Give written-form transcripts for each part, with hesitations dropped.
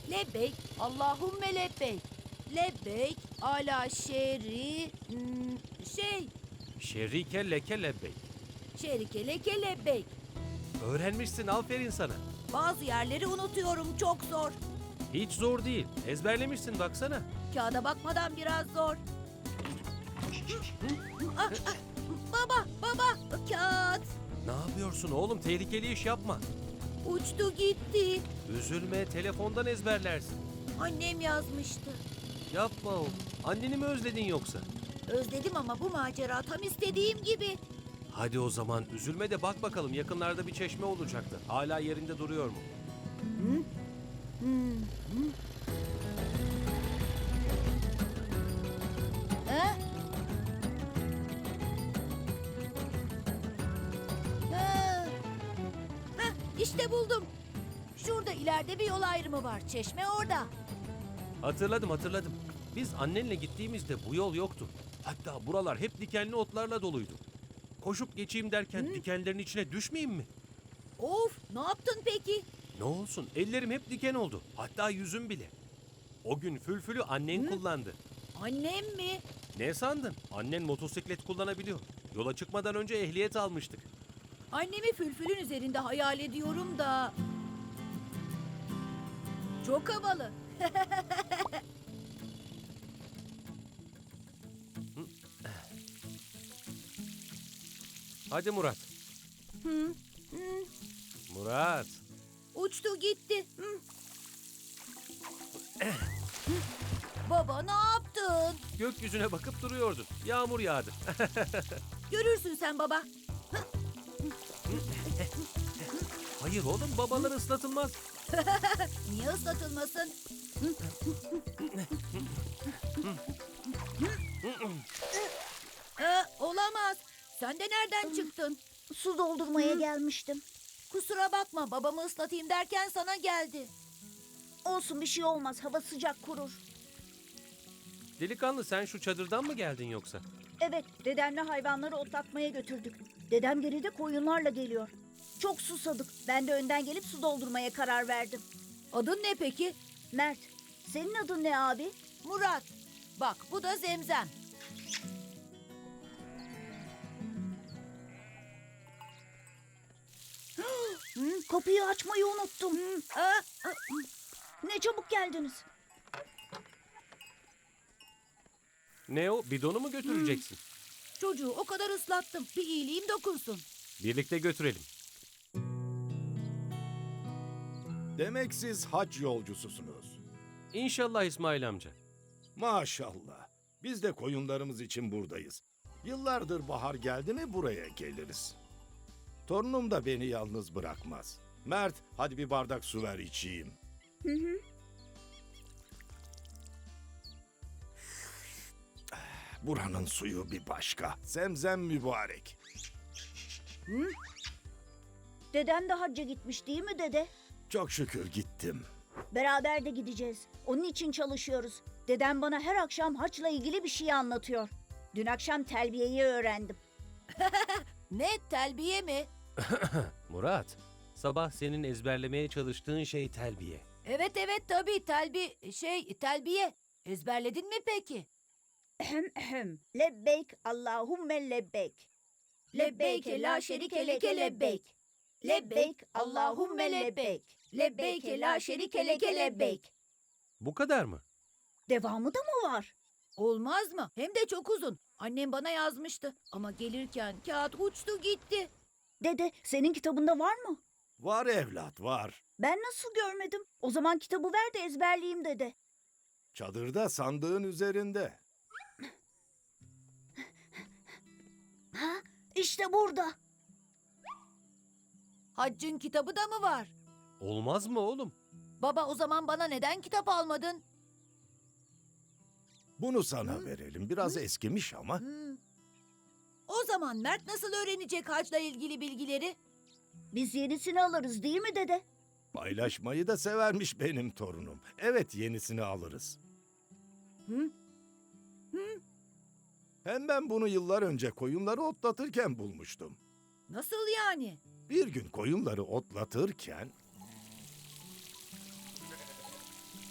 Lebbeyk, Allahümme lebbeyk. Lebbeyk, ala şeri, Şerike leke lebbeyk. şerike leke lebbeyk. Öğrenmişsin, aferin sana. Bazı yerleri unutuyorum, çok zor. Hiç zor değil. Ezberlemişsin baksana. Kağıda bakmadan biraz zor. Ah, ah, baba, kağıt. Ne yapıyorsun oğlum? Tehlikeli iş yapma. Uçtu gitti. Üzülme, telefondan ezberlersin. Annem yazmıştı. Yapma oğlum. Anneni mi özledin yoksa? Özledim ama bu macera tam istediğim gibi. Hadi o zaman üzülme de bak bakalım, yakınlarda bir çeşme olacaktı. Hala yerinde duruyor mu? Ha? Ha. Hah, işte buldum. Şurada ileride bir yol ayrımı var. Çeşme orada. Hatırladım. Biz annenle gittiğimizde bu yol yoktu. Hatta buralar hep dikenli otlarla doluydu. Koşup geçeyim derken dikenlerin içine düşmeyeyim mi? Of, ne yaptın peki? Ne olsun, ellerim hep diken oldu. Hatta yüzüm bile. O gün fülfülü annen kullandı. Annem mi? Ne sandın? Annen motosiklet kullanabiliyor. Yola çıkmadan önce ehliyet almıştık. Annemi fülfülün üzerinde hayal ediyorum da... Çok havalı. Hadi Murat. Murat. Uçtu gitti. Baba ne yaptın? Gökyüzüne bakıp duruyordun. Yağmur yağdı. Görürsün sen baba. Hayır oğlum, babalar ıslatılmaz. Niye ıslatılmasın? Olamaz. Sen de nereden çıktın? Su doldurmaya gelmiştim. Kusura bakma, babamı ıslatayım derken sana geldi. Olsun, bir şey olmaz. Hava sıcak, kurur. Delikanlı, sen şu çadırdan mı geldin yoksa? Evet, dedemle hayvanları otlatmaya götürdük. Dedem geride koyunlarla geliyor. Çok susadık. Ben de önden gelip su doldurmaya karar verdim. Adın ne peki? Mert, senin adın ne abi? Murat. Bak bu da Zemzem. Kapıyı açmayı unuttum. Aa, Ne çabuk geldiniz. Ne o? Bidonu mu götüreceksin? çocuğu o kadar ıslattım. Bir iyiliğim dokunsun. Birlikte götürelim. Demek siz hac yolcususunuz. İnşallah İsmail amca. Maşallah. Biz de koyunlarımız için buradayız. Yıllardır bahar geldi mi buraya geliriz. Torunum da beni yalnız bırakmaz. Mert, hadi bir bardak su ver içeyim. Buranın suyu bir başka. Zemzem mübarek. Dedem de hacca gitmiş değil mi dede? Çok şükür gittim. Beraber de gideceğiz. Onun için çalışıyoruz. Dedem bana her akşam haçla ilgili bir şey anlatıyor. Dün akşam telbiyeyi öğrendim. Ne, telbiye mi? Murat, sabah senin ezberlemeye çalıştığın şey telbiye. Evet tabii telbiye. Ezberledin mi peki? Lebbeyk Allahümme lebbeyk. Lebbeyke la şerike leke lebbeyk. Lebbeyk Allahümme lebbeyk. Lebbeyke la şerike leke lebbeyk. Bu kadar mı? Devamı da mı var? Olmaz mı? Hem de çok uzun. Annem bana yazmıştı. Ama gelirken kağıt uçtu gitti. Dede, senin kitabında var mı? Var evlat, var. Ben nasıl görmedim? O zaman kitabı ver de ezberleyeyim dede. Çadırda sandığın üzerinde. Ha, işte burada. Haccın kitabı da mı var? Olmaz mı oğlum? Baba o zaman bana neden kitap almadın? Bunu sana verelim. Biraz eskimiş ama. O zaman Mert nasıl öğrenecek hacla ilgili bilgileri? Biz yenisini alırız değil mi dede? Paylaşmayı da severmiş benim torunum. Evet, yenisini alırız. Hem ben bunu yıllar önce koyunları otlatırken bulmuştum. Nasıl yani? Bir gün koyunları otlatırken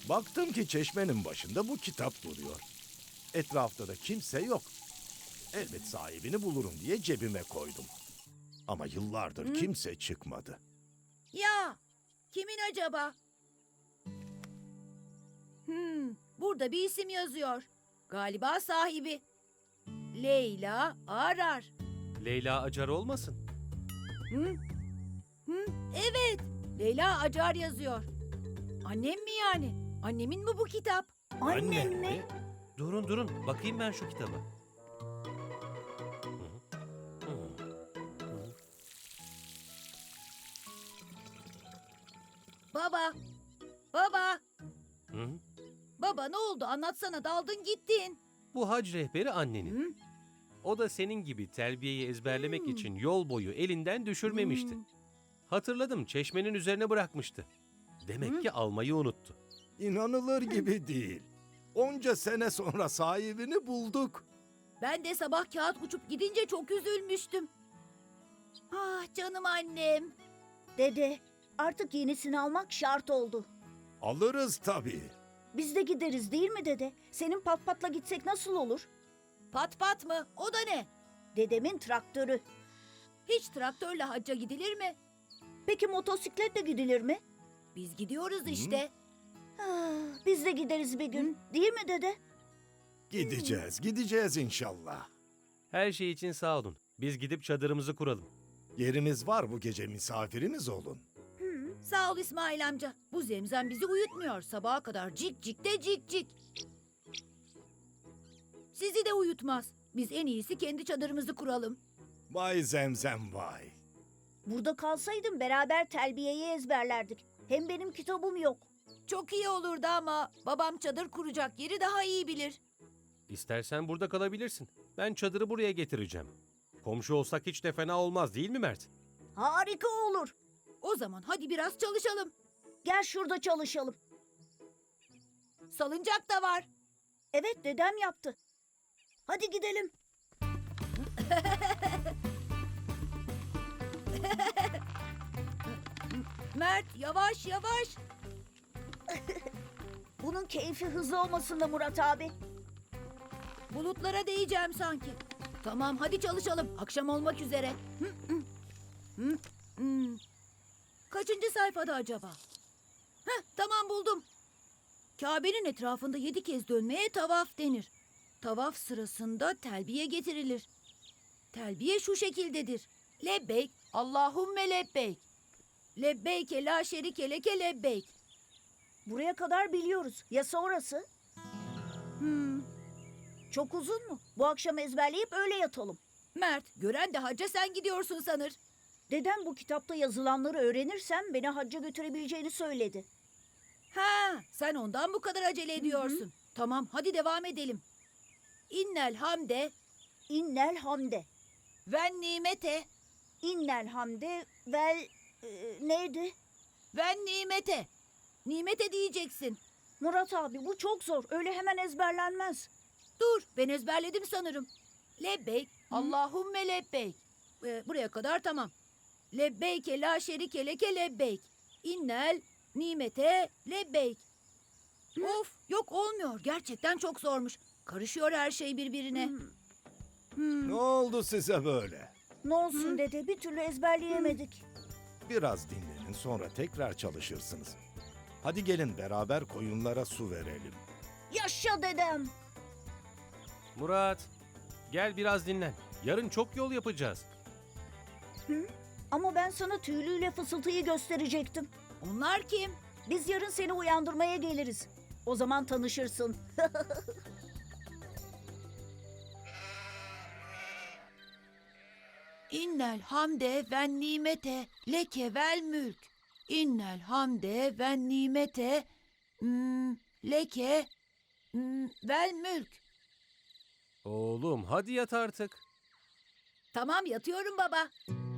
Baktım ki çeşmenin başında bu kitap duruyor. Etrafta da kimse yok. Elbet sahibini bulurum diye cebime koydum. Ama yıllardır kimse çıkmadı. Ya, kimin acaba? Burada bir isim yazıyor. Galiba sahibi. Leyla Arar. Leyla Acar olmasın? Evet, Leyla Acar yazıyor. Annem mi yani? Annemin mi bu kitap? Annem mi? Durun bakayım ben şu kitaba. Baba, baba, Hı? baba ne oldu? Anlatsana, daldın gittin. Bu hac rehberi annenin. O da senin gibi telbiyeyi ezberlemek için yol boyu elinden düşürmemişti. Hatırladım, çeşmenin üzerine bırakmıştı. Demek ki almayı unuttu. İnanılır gibi değil. Onca sene sonra sahibini bulduk. Ben de sabah kağıt uçup gidince çok üzülmüştüm. Ah canım annem. Dede, artık yenisini almak şart oldu. Alırız tabii. Biz de gideriz değil mi dede? Senin pat patla gitsek nasıl olur? Pat pat mı? O da ne? Dedemin traktörü. Hiç traktörle hacca gidilir mi? Peki motosikletle gidilir mi? Biz gidiyoruz işte. Ah, biz de gideriz bir gün. Değil mi dede? Gideceğiz inşallah. Her şey için sağ olun. Biz gidip çadırımızı kuralım. Yerimiz var, bu gece misafirimiz olun. Sağ ol İsmail amca. Bu zemzem bizi uyutmuyor. Sabaha kadar cik cik de cik cik. Sizi de uyutmaz. Biz en iyisi kendi çadırımızı kuralım. Vay zemzem vay. Burada kalsaydın beraber telbiyeyi ezberlerdik. Hem benim kitabım yok. Çok iyi olurdu ama babam çadır kuracak yeri daha iyi bilir. İstersen burada kalabilirsin. Ben çadırı buraya getireceğim. Komşu olsak hiç de fena olmaz değil mi Mert? Harika olur. O zaman hadi biraz çalışalım. Gel şurada çalışalım. Salıncak da var. Evet, dedem yaptı. Hadi gidelim. Mert yavaş yavaş. Bunun keyfi hızlı olmasın da Murat abi. Bulutlara değeceğim sanki. Tamam hadi çalışalım. Akşam olmak üzere. Kaçıncı sayfada acaba? Tamam buldum. Kabe'nin etrafında 7 kez dönmeye tavaf denir. Tavaf sırasında telbiye getirilir. Telbiye şu şekildedir. Lebbeyk, Allahümme lebbeyk. Lebbeyke la şerike leke lebbeyk. Buraya kadar biliyoruz. Ya sonrası? Hmm. Çok uzun mu? Bu akşam ezberleyip öyle yatalım. Mert, gören de hacca sen gidiyorsun sanır. Dedem bu kitapta yazılanları öğrenirsem beni hacca götürebileceğini söyledi. Ha, sen ondan bu kadar acele ediyorsun. Tamam, hadi devam edelim. İnnel hamde İnnel hamde. ve nimete İnnel hamde vel... neydi? ve nimete. Nimete diyeceksin. Murat abi bu çok zor. Öyle hemen ezberlenmez. Dur, ben ezberledim sanırım. Lebbeyk, Allahümme lebbeyk. Buraya kadar tamam. Lebbeyke la şerike leke lebbeyk. İnnel nimete lebbeyk. Of, yok olmuyor. Gerçekten çok zormuş. Karışıyor her şey birbirine. Ne oldu size böyle? Ne olsun dede, bir türlü ezberleyemedik. Biraz dinlenin, sonra tekrar çalışırsınız. Hadi gelin beraber koyunlara su verelim. Yaşa dedem. Murat, gel biraz dinlen. Yarın çok yol yapacağız. Ama ben sana tüylüyle fısıltıyı gösterecektim. Onlar kim? Biz yarın seni uyandırmaya geliriz. O zaman tanışırsın. İnnel hamde ve nimete leke vel mülk. İnnel hamde ve nimete leke vel mülk. Oğlum hadi yat artık. Tamam yatıyorum baba.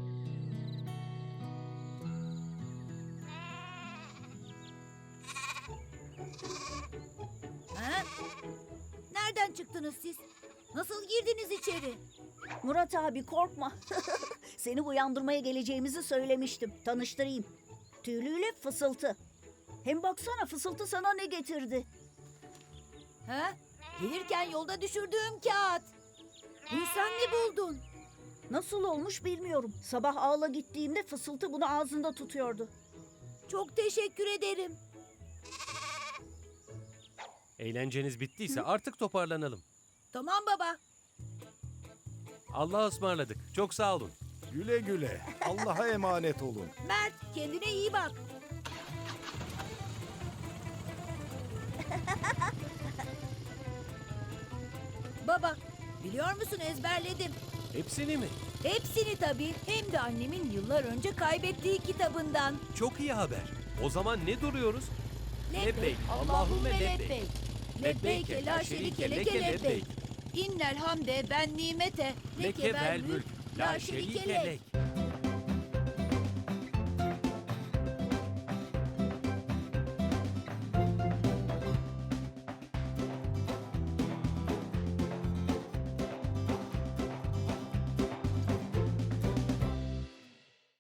Ha? Nereden çıktınız siz? Nasıl girdiniz içeri? Murat abi korkma. Seni uyandırmaya geleceğimizi söylemiştim. Tanıştırayım. Tüylüyle fısıltı. Hem baksana fısıltı sana ne getirdi? Ha? Gelirken yolda düşürdüğüm kağıt. Bunu sen mi buldun? Nasıl olmuş bilmiyorum. Sabah ağla gittiğimde fısıltı bunu ağzında tutuyordu. Çok teşekkür ederim. Eğlenceniz bittiyse artık toparlanalım. Tamam baba. Allah'a ısmarladık. Çok sağ olun. Güle güle. Allah'a emanet olun. Mert, kendine iyi bak. Baba, biliyor musun ezberledim. Hepsini mi? Hepsini tabii. Hem de annemin yıllar önce kaybettiği kitabından. Çok iyi haber. O zaman ne duruyoruz? Lebbeyk, Allahümme lebbeyk. Lebbeyke la şerike leke lebbeyk. İnnel hamde ben nimete. Leke vel mülk. La şerike lek.